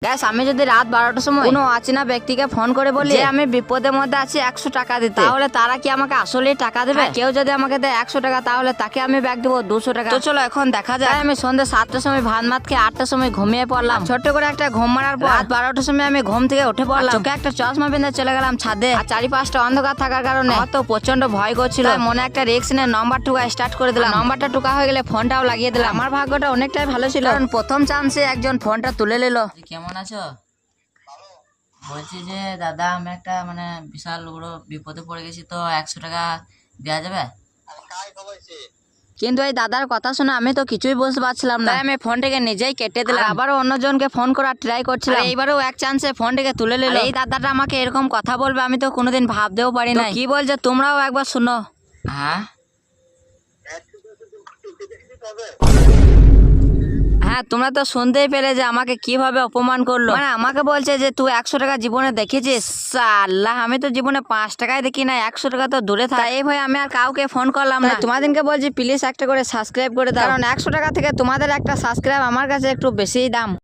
Gas আমি যদি রাত 12টার সময় কোনো অচেনা ব্যক্তিকে ফোন করে বলি যে আমি বিপদের মধ্যে আছি 100 টাকা দিতে, তাহলে তারা কি আমাকে আসলেই টাকা দেবে? কেউ যদি আমাকে দেয় 100 টাকা তাহলে তাকে আমি ব্যাগ দেবো 200 টাকা। তো চলো এখন দেখা যায়। আমি সন্ধ্যে 7টার সময় ভাত মাত খেয়ে 8টার সময় ঘুমিয়ে পড়লাম। ছোট্ট করে একটা ঘুম মারার পর রাত 12টার সময় আমি ঘুম থেকে উঠে পড়লাম। চোখে একটা চশমা বেঁধে চলে গেলাম ছাদে। আর চারিপাশটা অন্ধকার থাকার কারণে আমার তো প্রচন্ড ভয় করছিল। মনে একটা রিস্ক নিয়ে নাম্বার টুকা স্টার্ট করে দিলাম। নাম্বারটা টুকা হয়ে গেলে ফোনটাও লাগিয়ে দিলাম। আমার ভাগ্যটা অনেকটাই ভালো ছিল, কারণ প্রথম চান্সে একজন ফোনটা তুলে নিল। কেমন আছো? বলছি যে দাদা আমি একটা বিশাল বড় বিপদে পড়ে গেছি, তো 100 টাকা দেওয়া যাবে? কিন্তু এই দাদার কথা শুনে আমি তো কিছুই বুঝতে পারছিলাম না। আমি ফোনটাকে নিজেই কেটে দিলাম। আবারও অন্যজনকে ফোন করার ট্রাই করছিলাম। এইবারও এক চান্সে ফোনটাকে তুলে নিল। এই দাদাটা আমাকে এরকম কথা বলবে আমি তো কোনোদিন ভাবতেও পারি না। কি বলছে তোমরাও একবার শুনো। হ্যাঁ হ্যাঁ, তোমরা তো শুনতেই পেলে যে আমাকে কিভাবে অপমান করলো। আমাকে বলছে যে তুই 100 টাকা জীবনে দেখেছিস? আল্লাহ, আমি তো জীবনে 5 টাকায় দেখি না, 100 টাকা তো দূরে থাকে। এই ভয় আমি আর কাউকে ফোন করলাম না। তোমাদেরকে বলছি প্লিজ একটা করে সাবস্ক্রাইব করে দাও, কারণ 100 টাকা থেকে তোমাদের একটা সাবস্ক্রাইব আমার কাছে একটু বেশিই দাম।